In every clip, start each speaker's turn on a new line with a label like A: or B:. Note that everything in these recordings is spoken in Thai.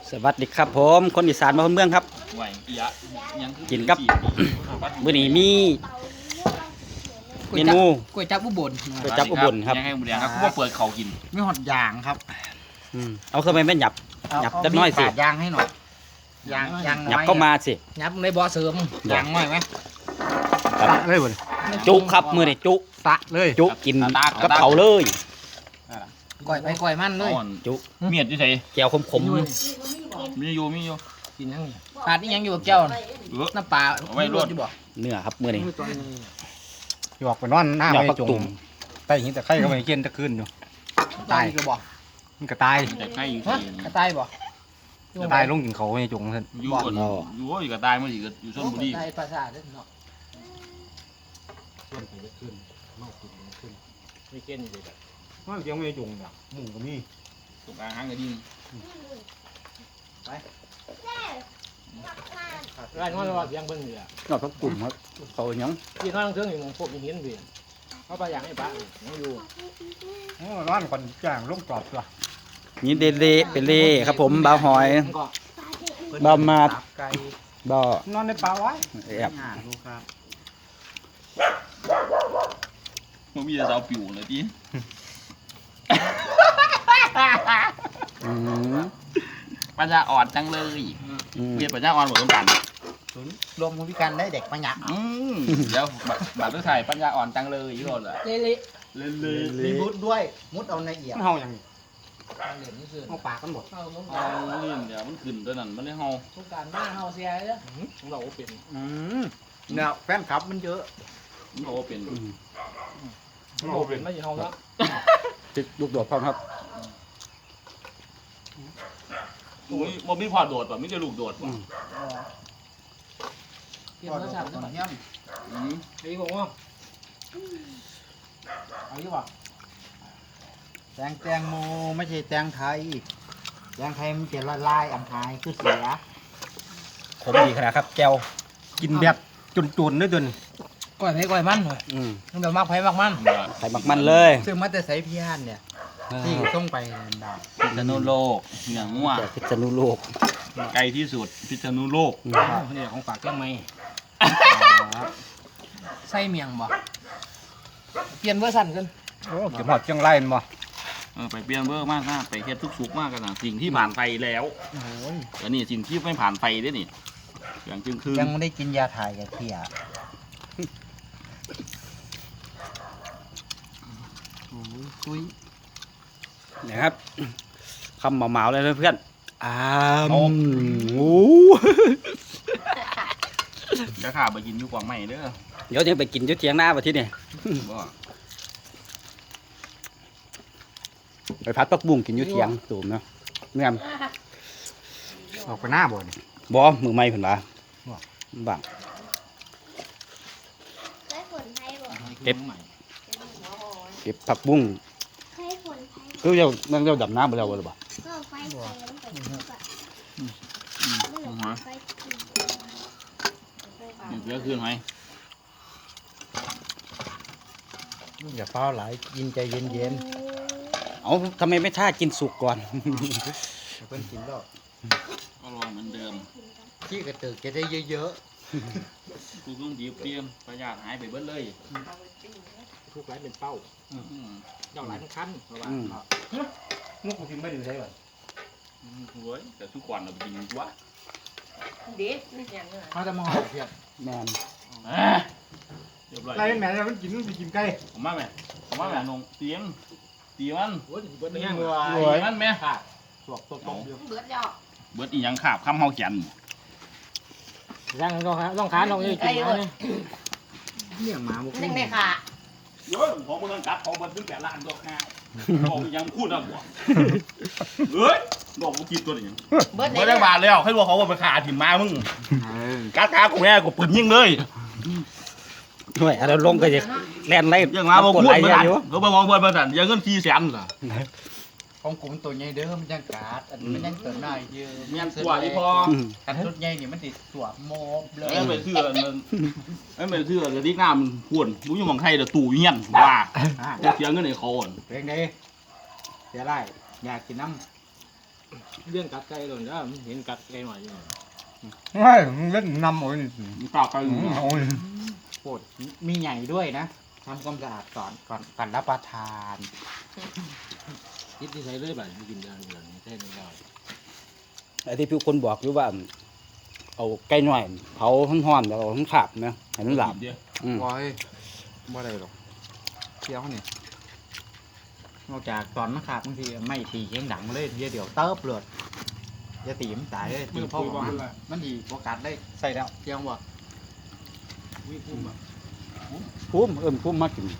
A: สวัสดีครับผมคนอีสานมาคนเมืองครับ
B: ไหวอียะยังคือ
A: กินกับ มื้อนี้มีเมนู
C: ก๋วยจั๊บอุบล
A: ก๋วยจั๊บอุบลครับ
B: ยังให้หมูแดงครับว่าเปิดเขากิน
C: มีหอดยางครับ
A: เอาเข้าไปไม่หยับหยับจักหน้อยสิ
C: ปาดยางให้หน่อยยางน้อย
A: หยับเข้ามาสิ
C: ยับในบ่อเสริมยางน้อยไหม
A: ครับ
D: ตะเลยบ่น
A: จุครับมื้อนี้จุ
D: ตะเลย
A: จุกินกับเขาวเลย
C: ก่อยไปก่อยมันเลย
B: อ่อน
A: จุ
B: เมียดที่ไหน
A: แก้วขม
B: มีอยู่
C: กินยังนี่ปาดนี่ยังอยู่กับแก้วน้ำปลา
B: เอาไว้รวด
C: ที่บ่
A: ๆเนื้อครับมื้อนี้
D: หยอกไปนอนหน้า
A: หยอก
D: ไม่
A: ปัก
D: จง
A: ตุ่ม
D: ใต้หินแต่ไข่ก็ไม่เย็นตะคืนอยู่
C: ตายก็บ่
D: มันก็ตาย
B: แต่ใกล้อยู่
C: ฮะ
B: ที่
C: กระตายบ่
D: ตายลงกินเขาไม่จงท่าน
B: อยู่ก่อนอยู่ว่าอยู่กับตายมันอยู่ชลบุรี
C: ตายภาษาทเด้อเนาะ
B: ไม่เก่งเลยแบบ
D: มันยังไม่จงเนี่ยหมูก็มี
B: ตกกลางหางกระดิ่ง
E: ร้านนอนรอยังเบิ่งอยู่อ่ะ
A: ยอดปักตุ่มครับเขาหยัง
E: ที่นอนเครื่องอยู่มองพวกยังเห็นเพียงเขาไปอย่างไอ้บ้ายังอยู่
D: โอ้ร้านคนจ้างลงจอดตัว
A: มีเดเล่เป็นเล่ครับผมบ่าวหอย
E: มันก็
A: บ่าวมาด
C: ไก่
A: บ่าวน
D: อนในป่าไว้
A: แอบ
C: ลูกครับ
B: มันมีแต่สาวปิวเลยที่
A: อืม
B: ปัญญาอ่อนจังเลย เมียปัญญาอ่อนหมดต้นกัน
C: รวมมือพิการได้เด็กปัญญา
B: เดี๋ยวบัตรไทยปัญญาอ่อนจังเลยอีกคนละ
C: เละ
B: เล่นเลย
C: มีมุดด้วยมุดเอาในเอียด
D: มันเฮาอย่างนี้
C: เหรียญนี่คือ
D: เอาปากกันหมด
C: เอาลง
B: เอาเล่นเดี๋ยวมันขึ้นตัวนั้นมันได้เฮา
C: ทุกการบ้านเฮาเสียเด้อ
E: ของเราเป็น
D: เนี่ยแฟนคลับมันเยอะ
B: มันโอเป็น
E: เราเป็นไม่ใช่ห้องละ
A: ติดลูกโดดพร้อมครับ
B: อุ้ยมันมีพอโดดป่ะไม่ใช่ลูกโดดป่ะ
C: เตรียมโทรศัพท์ก่อนย่
E: ไอ้บอกว่า
C: เอาอยู่บ่
F: แตงโมไม่ใช่แตงไทยแตงไทยมันจะละลายอันหายคือเสีย
A: ขมดีขนาดครับแก้ว
D: กินแบบจุนๆด้วยจน
C: ก่อยไปก่อยมันหน่อย
A: อืม
C: มันแบบมากไผมากมัน
A: ใส่มักมันเลย
F: ซึ่งมันจะใส่พี่ฮันเนี่ยที่ต้องไปนั่นดาว
B: พิษณุโลกอย่างง่วง
A: แต่พิษณุโลก
B: ไกลที่สุดพิษณุโลก
E: นี่ของฝากแก้งไหม
C: ใส่เมียงบ่เปลี่ยนเวอร์ชันกัน
D: โอ้เก็บหอดเชียงรายมันบ่
B: ไปเปลี่ยนเบอร์มากไปเฮ็ดทุกสุกมากกันนะสิ่งที่ผ่านไปแล้วแต่นี่สิ่งที่ไม่ผ่านไปด้วยนี่อย่างจึงคือ
F: ยังไม่ได้กินยาถ่ายกับเที่ย
A: นะครับคำเหมาๆเลยนะเพื่อนอ้ามโอ้
B: จะข่าไปกินอยู่กวางใหม่เด้อ
A: เดี๋ยวจะไปกินอยุ่เทียงหน้าประที่นี่
B: บ่
A: ไปพัดปักบุ้งกินอยุ่เทียงตูมเนาะเมื่อม
D: ออกไปหน้าบ่นี่
A: บอมือไม่เพิ่นว่าบัง
G: ใช้ผลไทยบอก
A: เก็บผักบุ้ง
G: ใช้ผลไทย
A: คือเจ้านั่งเจ้าดับน้ำไปแล้วบ่หรือเปล่า
G: ก็ไฟไทยแล้วไปทุกอะไม่หลบไฟ
B: อย่างเสือคืนไหม
F: อย่าเฝ้าหลายกินใจเย็น
A: เอาทำไมไม่ท่ากินสุกก่อน
F: ๆเพิ่นกินแล้ว
B: ก็ลองเหมือนเดิม
F: ขี้กระตือกจะได้เยอะ
B: กูต้องดีเตรียมประหยัดหายไปเบิดเลย
E: ทุกหลายเป็นเป้าเจ้าหลายมันคันเพราะว่า
A: อืม
D: มุกมันกินไม่ได้ใช่บ่
B: โว้ยแต่ทุกวันเราไปกินตัว
C: เขาจะมองเพียบ
A: แมน
B: เรียบร้อย
D: ไรแม่เนี่ยมันกินมันไปกินไก่
B: ผมมาแม่นงเตรียมตีมัน
E: โอ้ยเบิดได้ยัง
B: ตีมันแม่
E: สวกตบอยู่
B: เบิดอีหยังขาบข้ามเฮาเขียน
E: ยังต้องขาน้องนี่กินมาเนี่ย
F: ๆเนี่ยหมาบุก
G: นึ่งในค่ะ
B: เฮ้ยของมึงกัดของเบิดถึง8 ล้านตัวข้าวบอกอีหยังพูดนะบ่เฮ้ยบอกกูคิดตัวนี้
G: เบิร์ด
B: เบิดได้บาทแล้วให้รู้เขาว่าไปขาถิ่นมามึงกัดขากูแม่กูปืนยิงเลย
A: ด้วยอะไรลงก็จะแล่นไล่
B: ยังมาบอก
A: กด
B: พูด
A: ไล่
B: มา
A: เย
B: ดั
A: อะ
B: น
A: อยู่
B: เขาไปมองเพื่อนมาดันยังเงิน400,000ล่ะ
F: ของกลุ่มตัวใหญ่เด้อมันยังกาดอันนี้มันยังตัวน้อยเยอะ
B: เมียนกว่าอีพอ
F: กันชุดใหญ่นี่มันติดสวมโมบเลย
B: ไอ้เป็นเสื้อมันไอ้เป็นเสื้อกระดิกน้ำมันพวนมึงอยู่หมองไทยเดี๋ยวตู่เงี้ยนว่าจะเสียเงินไอ้เขาอ่อน
F: เพลงนี้เสียไรอยากกินน้
E: เรื่องกัดไก่โดนจ้าเห็นกัดไก่หน่อยอยู่
D: ไม่มึงเล่นนำโอ้ย
B: กลับไป
D: โอ้ย
F: โปรดมีใหญ่ด้วยนะทำความสะอาดก่อนรับประทาน
E: คิดที่ใช้เรื่อยไปไม่กินเดือนเท่นี้ได้
A: ไอ้ที่พี่คนบอกอยู่ว่า เอาไก่หน่อยเผาทั้งห้อนแล้วเอาทั้งขาบนะให้มันหลับอืม
F: บอยบ่ได้หรอกเที่ยวนี่นอกจากตอนมันขาดบางทีไม่ตีเสียงดังมาเลยเดี๋ยวเติบเลยจะตีมันตายเลยตีพ่อของมันดีโฟกัสได้ใส่แล้วเที่ยงบ่
E: วิ่งพุ่มแบบ
A: พุ่มพุ่มมากิน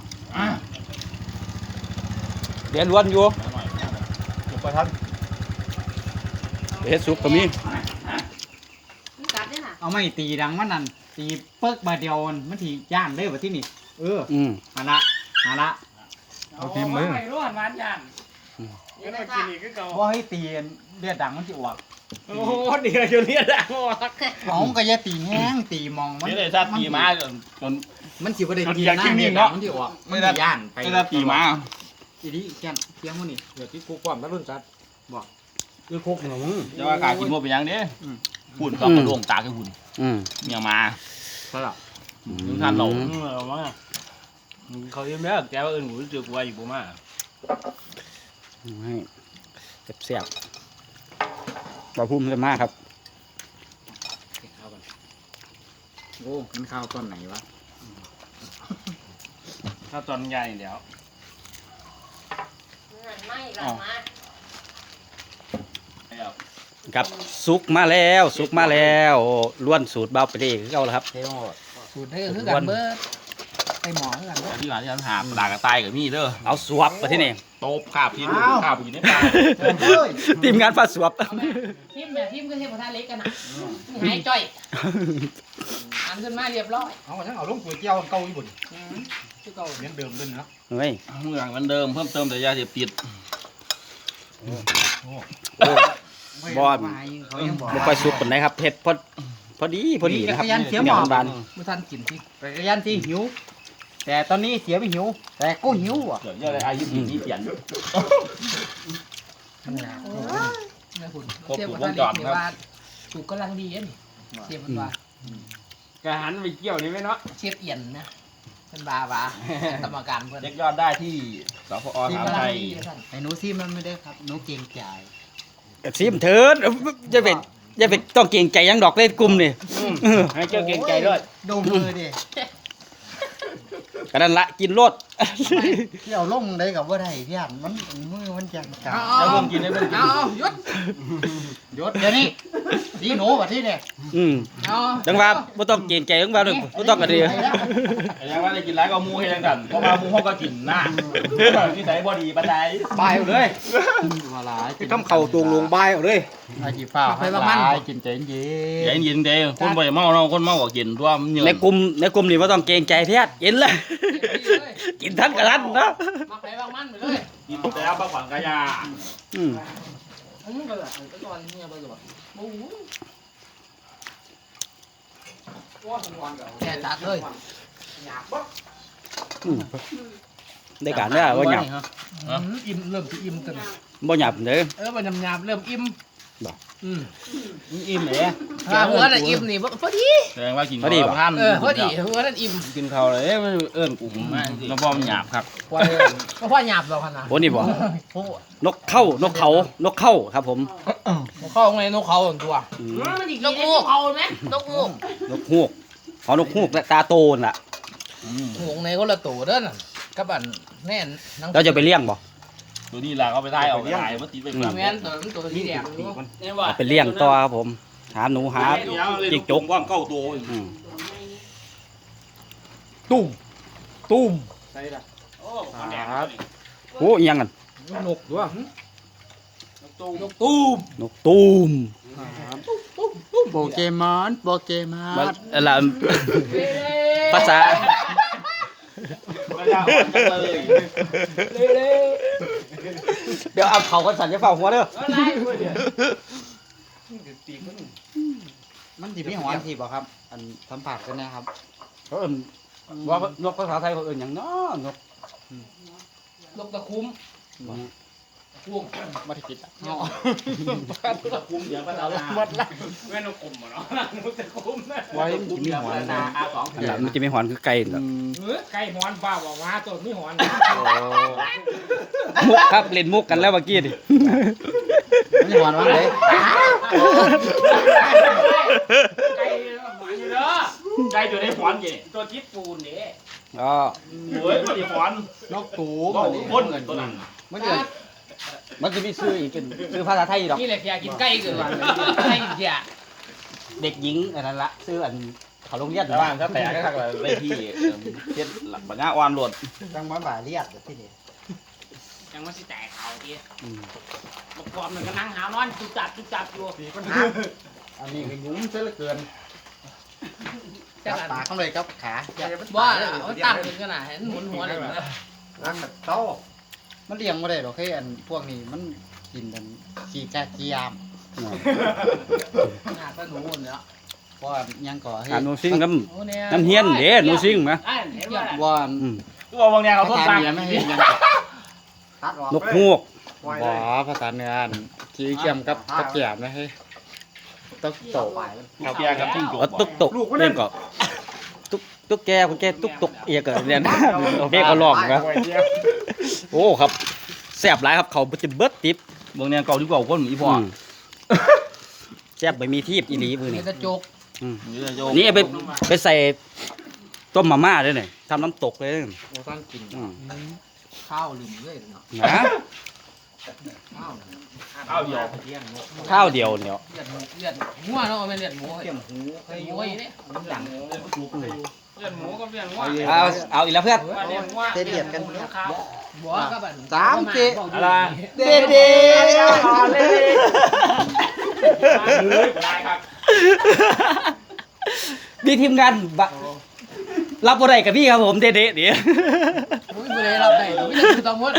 A: เรียนล้วนอยู่
D: จุกประทัด
A: เฮ็ดสุกก็มี
G: มันกัดได้น่ะ
F: เอาไม่ตีดังมันนั่นตีเปิกมาเดียวมันทีย่านเลยว่าที่นี่
A: อืม
F: มาละ
D: เอาทีมมือ
E: ไม่รู้มันยัน
G: ยังไงค่ะ
F: ว่าให้ตีเลือดดังมันจะออก
E: โอ้เดี๋ยวจะเรียกดังออก
F: เอาก็อย่าตีแห้งตีมองมัน
B: นี่เลยถ้าตีมาจน
F: มันสิบ่ได้กิน
B: อยาก
F: นะ
B: กินนี่
F: เลือดดั
B: เนาะ
F: งมันจะออกมันจะย่านไป
B: ถ้าตีมา
F: อีนี้แก่นเที่ยงมันนี่
E: เดี๋ยวที่คุกความแล้วรุ่นจัด
D: คือคุกหนูมึง
B: จะว่ากากินหมดเป็นยังเด้หุ่นก็กระดวงตาคือหุ่น
A: อืม
B: เมียมา
F: ใช่หรอ
B: ถึงท่านเรา
E: เอามาเขาเรียกแล้วแกว่าเอิญหูรู้สึกว่าอยู่บ่มา
A: ให้เสียบๆปลาพุ่มเลยมากครับ
F: โอ้มันข้าวตอนไหนวะ
E: ถ้าตอนใหญ่เดี๋ยว
G: ไม่หลังมา
A: กับซุกมาแล้วซุกมาแล้วล้วนสูตรเบาไปดีคือเก่าแล้วครับ
F: เท่หมด
C: สูตรเด้อคือกันเบิดไปหมอคือกันเบิด
B: ที่หลังที่ฉันหาด่ากระต่ายกับมีเด้อ
A: เอาสวบไปที่นี่
B: โต๊ะขาบที่ลูกขาบอยู่ในปลา
A: ทีมงานฟาดสวบ
C: พิมพ์แบบพิมพ์ก็เทพท่าเล็กกันน่ะหายจ้อยอันขึ้นมาเรียบร้อย
D: เอาทั้งเอาลงก๋วยเตี๋ยวเก่าญี่ปุ่น
C: คือเก่า
D: เหมือนเดิมเลยนะ
A: เฮ้ย
B: เมืองมันเดิมเพิ่มเติมแต่ยาเสพติด
A: บอล
F: เขายังบอก
A: บ่ค่อยสุกปานใดครับเผ็ดพอดีนะครับ
F: จักรยานเสียหม
A: เนี่
F: อ
A: มันบาน
C: บ่ทันกินสิ
F: จักรยานที่หิว แต่ตอนนี้เสียไม่หิว แต่ก็หิวอ่ะ
B: เกิดเยอะเลยอายุปีนี้เปลี่ยน
C: แม่คุณ
B: ครบ
C: เทียบ
B: ถู
C: กับ
B: กว
C: ท่าง เล็ก
B: จร
C: นี่
B: ครับ
C: ว่าถูกกำลังดีเอ็นเทียบกันว่าก
E: ระหันไปเกี่ยวนี่ไหมเนาะ
C: เชฟเอียนนะเป็นบาวาเป็นกรรมการเพิ่น
B: เช็คยอดได้ที่สพอ
C: ทีม
B: ถาม
C: กำลั
B: ไท
C: ง
B: ย
C: ดีท่าน
F: ไอ้หนูซีมันไม่ได้ครับหนูเกรงใจ
A: ซิมเถิดอย่าไปต้องเกรงใจหยังดอกเล่นกลุ่มนี่
E: ให้เจ้าเก่งใจด้วย
F: โดมมือดิ
A: กันนั่นละกินรส
F: ที่เอาลงได้กับว่าได้ที่อ่านมันมือมันจังจัง
B: แล้วเพิ่มกินได้เพิ่มกิน
C: เอาหยุด
F: ยศเดี๋ยวนี้ดีหนูแบบที่เนี่ย
A: อืม
C: เอา
A: จังว่าบ่ต้องเกรงใจจังว่าเด้อบ่ต้องกระเดือ
B: ไอ้ยังว่าได้กินไรก็มูให้ยังกันเพราะว่ามูเขาก็กินหน้าที่ไหนบอดีบันได
D: บายเอาเลย
F: มาหลาย
D: ทำเข่าตรงลงบายเอาเลย
F: อาจีฟ้าให้หลายกินใจเย็
B: อย่าเย็นเด้คนบ่อยเมาเนาะคนเมาก็กินตัวมันเหนื่อย
A: ในกลุ่มนี่บ่ต้องเกรงใจแท้เห็นเลย กินทันกะทันเนาะ
C: มาไปบางมันไปเลย
B: กินแล้วบางฝังกะยา
A: อืม
C: ก็เลยก็ตอนนี้ไปเลยโอ้โหแก่จัดเลย
A: ได้การเด้อบ่หยับ
C: อิ่มเริ่มจะอิ่มกัน
A: บ่หยับเด้อ
C: มันยำเริ่มอิ่ม
A: บ่
F: อิ่มเลย
C: ถ้าหัวน่ะอิ่มนี่พอดี
B: แสดงว่ากินข้าวท่าน
C: พอดีหัวนั่นอิ่ม
B: กินข้าวเลยมันเอิ้นกูมาแล้วพ่อมันหยาบครับ
C: ก็พ่อหยาบเราขนาด
A: โอ้นี่บ่
C: โอ้
A: นกเข้าครับผม
C: เข้าไงนกเขาตัว
A: อืม
C: นกงูเขาไหมนกงู
A: นกฮูกเขานกฮูกและตาโตนล่ะ
C: หงในก็ละตัวเด้อน่ะกับอันแน่น
A: เราจะไปเลี้ยงบ่
B: ตัวนี้ล่ะเขาไปถ่ายเอาไปถ่ายว่าติดไปเปล่า
C: แม่นตัวที่แดงอยู่
A: เอาไปเลี้ยงต่อครับผม หาหนูหาจิกจก
B: ว่างเก้าตัว
A: อืม
D: ตุ้ม
E: ใส่ละ
B: โอ้มันแดง
A: โอ้อิหยังกัน
D: นกด้วย
C: นกตูม
A: นกตูม
F: โปเกมอน
A: อะไรภาษา
B: ไม่ได้เอาเลย
A: เดี๋ยวเอาเขากันสั่นจะเฝ้าหัวเด้อ
F: มันสิมีหัวทีบ่ครับ อันสัมผัสกันนะครับ
A: เขาเอิ้นว่านกภาษาไทยเขาเอิ้นหยังเนาะนก
C: นกตะคุ้มกุ้ง
F: มาที่กิน
B: คุ้มเดี๋ยวก็เอาหมดละแม่นกลุ่มเนาะนุจะคุ้มนะ
F: ไว้มันจะมีหอนนะ
B: A2
A: อันหลังมันจะมีหอนคือไก่นั่นแหละ
E: ไก่หอนบ้าบอกว่าตัวนี้หอน
A: มุกครับเล่นมุกกันแล้วเมื่อกี้ดิ
F: มันจะหอนวะเลย
E: ไก่หอนอยู่เด้อ
B: ไก่อยู่ในหอนกี่
E: ตัวทิพย์ปูนเด้
A: อ๋อ
B: โอ้ยมันหอน
F: นกตู
B: ก็พ่นตัวนั้น
A: มันจะมีซื้ออีกเป็นซื้อภาษาไทยดอก
C: นี่แหละเพียกินไก่เกินไก่กินเพีย
A: เด็กหญิงอันนั้นละซื้ออันเขาโรงเรียน
B: แต่ว่าถ้าแตกก็ทักเลยได้ที่เฮ็ดหลักปัญญาอ่อนโลด
F: จังหวัดบ่าเรียกที่นี่
C: ยังไม่สิแตกเขาทีบกกอบหนึ่งก็นั่งหานอนจุบจับอยู่
F: มีปัญหาอันนี้ก็ยุ่งเสียเหลือเกิน
C: แต่
F: กับปากเข้าเลยกับขา
C: ว่ามันตั้งขึ้นกันนะเห็นหมุนหัวเลยนะ
F: รักกับโตมันเลี้ยงไม่ได้หรอกแค่อันพวกนี้มันกินกันขี้กากียาม
C: หาตะหนูเนาะ
F: เพราะว่ายังก่อให้
A: อ่านูซิงกับ
C: โอ้เนี่ย
A: น้ำเฮียนเด้นูซิงไหม
C: เห็นว่า
F: ว่า
A: อืม
B: ก็บอกบางอย่างเขาทด
F: ภา
B: ส
F: ษา
B: อบ
F: เหนือไม่ให้ยังตัดออก
A: นกฮูก
F: บ่ภาษาเหนือขี้เกียมกับกระเกียบนะเฮ้ยตกโต
B: เขาเพียกับจิ้งจก
A: เอาตุกตกเล่นก็ตุ๊กแกคุณแกตุ๊กตกเอียกเรียนเพลงเขาร้องนะโอ้ครับแซ่บหลายครับเขาจะเบิดติบบ
B: างอย่างเก่าที่เก่าคนอีพ่อ
A: แซ่บไม่มีทีบอีหลีมือ
C: มี
A: นี่
C: กระจก
A: นี่เอาไปใส่ต้มมาม่าด้วยนี่ทำน้ำตกเลย
F: โอ้ตั้งกิน
A: อืม
C: ข้าวลืมเลยเนาะ
A: นะ
C: ข้าว
B: เอาเดียว
A: ข้าวเดียวเนี่ย
C: เลือดหัวเนาะไม่เลือดหมูเฮ้ยหมูเนี่ย
F: ดัง
E: เลือดหมูกับเลือดงัว
A: เอาอีกแล้วเพื่อน
E: ว่าเลือดงัว
F: เตียดกัน
E: ข้าว
C: บัวก็แบบ
B: อะไร
A: เด็ดเด็
B: ได้ครับ
A: มีทีมงานรับบทใดกับพี่ครับผมเด็ดเด็ดเดี๋ยว
C: อุ้ยไม่ได้รับได้ตัวไม่ได้คือตัวมด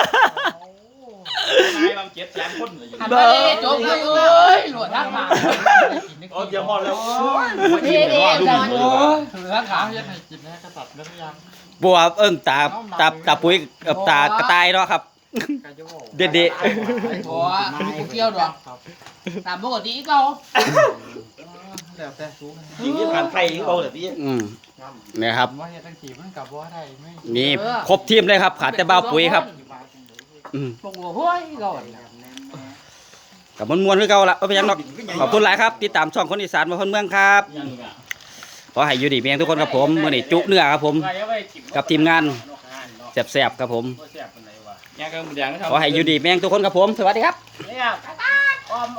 B: นายบางเจ็ดแสนคนเลย
C: หันมาเลยจบเลยเอ้ยหลวดทักมา
B: โอ้เดี๋ยวหมดแล้ว
C: เด็ดเด็ดจังโอ้ยหลวดทักขา
F: เฮ็ดให้กินนะกระตับแล้วยัง
A: บัวตาปุ้ยตากระต่ายเนาะครับ เด็ดเด็ด
C: บัวกูเที่ยวดอกตามปกติก็
F: แล้วแต่สูง
B: จริงที่ผ่านไฟเขาแต่ที่
A: เนี่ยครับ
F: ว่าเฮ็ดตั้งกี่มันกับว่าได้ไม่
A: มีครบทีมเลยครับขาดแต่บ้าวปุ๋ยครับ
C: ปกหัวห้วยก่อน
A: กับมวนๆคือเก่าละไม่เป็นหยังหรอกขอบคุณหลายครับติดตามช่องคนอีสานมาคนเมืองครับ
B: ยังอ่ะ
A: ขอให้อยู่ดีเพียงทุกคนครับผมมื่อนี้จุเนื้อครับผมกับทีมงานแซ่บๆครับผม
B: ยังก็มันยัง
A: ขอให้อยู่ดีเพียงทุกคนครับผมสวัสดีครับ
C: เนี่ย